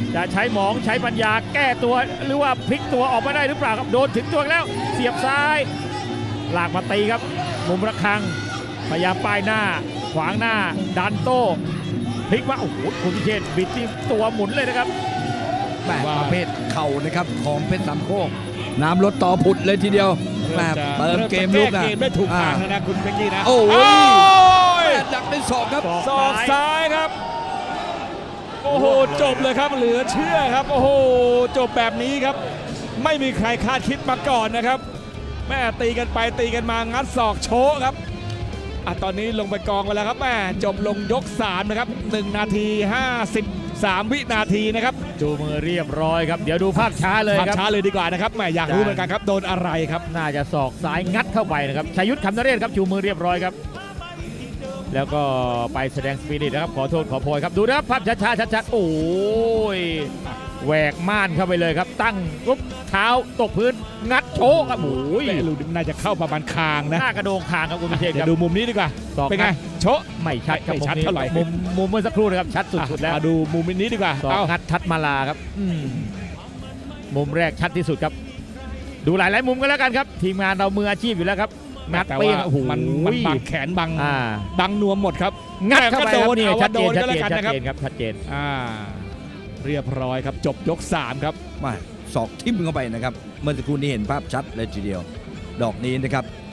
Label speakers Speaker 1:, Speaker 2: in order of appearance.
Speaker 1: จะใช้หมองใช้ปัญญาแก้ตัวหรือว่าพลิกตัวออกมาได้หรือเปล่าครับโดนถึงตัวแล้วเสียบซ้ายลากมาตีครับมุมระฆังพยายามป้ายหน้าขวางหน้าดันโต้พลิกว่าโอ้โหคุณพิเชษบิดที่ตัวหมุนเลยนะครับ
Speaker 2: แม่ประเภทเข่านะครับของเพชรสามโคกน้ำลดต่อผุดเลยทีเดียวแม่เติมเกมลุก
Speaker 3: เกมได้ถูกทางแล้วนะคุณเป๊กกี้นะ
Speaker 2: โอ้ยดักได้ศอกครับ
Speaker 3: ศอกซ้ายครับโอ้โหจบเลยครับเหลือเชื่อครับโอ้โหจบแบบนี้ครับไม่มีใครคาดคิดมาก่อนนะครับแม่ตีกันไปตีกันมางัดศอกโชกครับตอนนี้ลงไปกองไปแล้วครับแม่จบลงยก3นะครับ1 นาที 53 วินาทีนะครับ
Speaker 1: จูมือเรียบร้อยครับเดี๋ยวดูภาพช้าเลยครับ
Speaker 3: ภาพช้าเลยดีกว่านะครับแม่อยากรู้เหมือนกันครับโดนอะไรครับ
Speaker 1: น่าจะศอกซ้ายงัดเข้าไปนะครับชัยยุทธคำนเรศครับชูมือเรียบร้อยครับแล้วก็ไปแสดงสปิริตนะครับขอโทษขอโพยครับดูนะครับภาพช้าๆชัดๆโอ้ยแหวกม่านเข้าไปเลยครับตั้งปุ๊บเท้าตกพื้นงัดโชกครับโอ้ย
Speaker 3: ลูกน่าจะเข้าประมาณคางนะ
Speaker 1: หน้ากระโดงคางครับคุณพิเชษครับ
Speaker 3: ดูมุมนี้ดีกว่าเป็นไงโชะ
Speaker 1: ไม่ชัดครับ
Speaker 3: ไม่ชัดเท่าไหร่
Speaker 1: มุมเมื่อสักครู่นะครับชัดสุดๆแล้ว
Speaker 3: ดูมุมนี้ดีกว่า
Speaker 1: เอางัดทัดมาลาครับมุมแรกชัดที่สุดครับดูหลายๆมุมกันแล้วกันครับทีมงานเรามืออาชีพอยู่แล้วครับงัดเปี้ยงโอ้โห
Speaker 3: มันบังแขนบังนวมหมดครับ
Speaker 1: งัดเข้าไปครับนี่ชัดเจน
Speaker 3: ครับ
Speaker 1: ชัดเจน
Speaker 3: เรียบร้อยครับจบยก3ครับ
Speaker 2: มาศอกทิ่มเข้าไปนะครับเมื่อสักครู่นี้เห็นภาพชัดเลยทีเดียวดอกนี้นะครับ